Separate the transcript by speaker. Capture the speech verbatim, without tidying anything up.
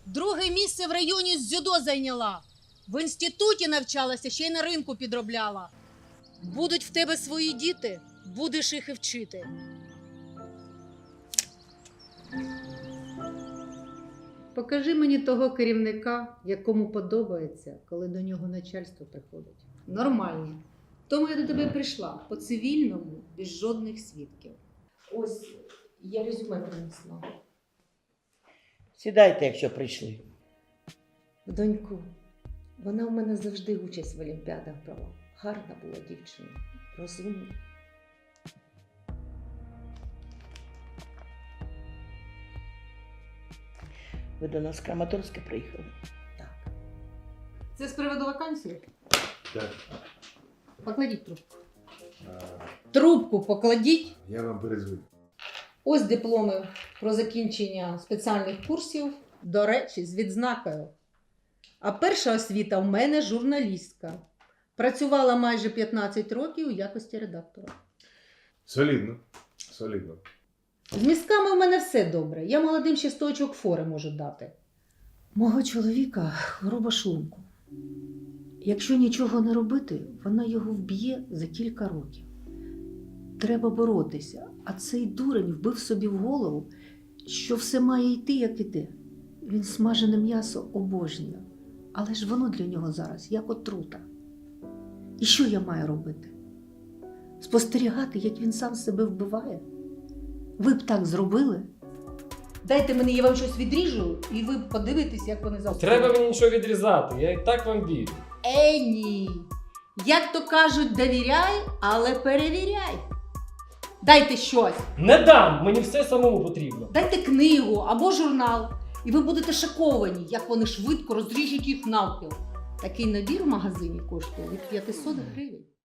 Speaker 1: Друге місце в районі з дзюдо зайняла. В інституті навчалася, ще й на ринку підробляла. Будуть в тебе свої діти, будеш їх і вчити.
Speaker 2: Покажи мені того керівника, якому подобається, коли до нього начальство приходить. Нормальні. Тому я до тебе прийшла по цивільному, без жодних свідків. Ось я резюме принесла.
Speaker 3: Сідайте, якщо прийшли.
Speaker 2: Доньку, вона в мене завжди участь в олімпіадах брала. Гарна була дівчина, розумна.
Speaker 3: Ви до нас з Краматорська приїхали?
Speaker 2: Так. Це з приводу вакансії?
Speaker 4: Так,
Speaker 2: Покладіть трубку.
Speaker 4: а,
Speaker 2: Трубку покладіть.
Speaker 4: я вам перезвоню.
Speaker 2: Ось дипломи про закінчення спеціальних курсів, до речі, з відзнакою. А перша освіта в мене журналістка. Працювала майже п'ятнадцять років у якості редактора.
Speaker 4: Солідно, солідно.
Speaker 2: З мізками в мене все добре. Я молодим ще сто очок фори можу дати. Мого чоловіка хвороба шлунку. Якщо нічого не робити, вона його вб'є за кілька років. Треба боротися, а цей дурень вбив собі в голову, що все має йти, як іде. Він смажене м'ясо обожнює, але ж воно для нього зараз як отрута. І що я маю робити? Спостерігати, як він сам себе вбиває? Ви б так зробили? Дайте мені, я вам щось відріжу, і ви подивитесь, як вони завтра.
Speaker 5: Треба мені нічого відрізати, я і так вам вірю.
Speaker 2: Е, ні. Як то кажуть, довіряй, але перевіряй. Дайте щось.
Speaker 5: Не дам, мені все самому потрібно.
Speaker 2: Дайте книгу або журнал. І ви будете шоковані, як вони швидко розріжуть їх навпіл. Такий набір в магазині коштує від п'ятсот гривень.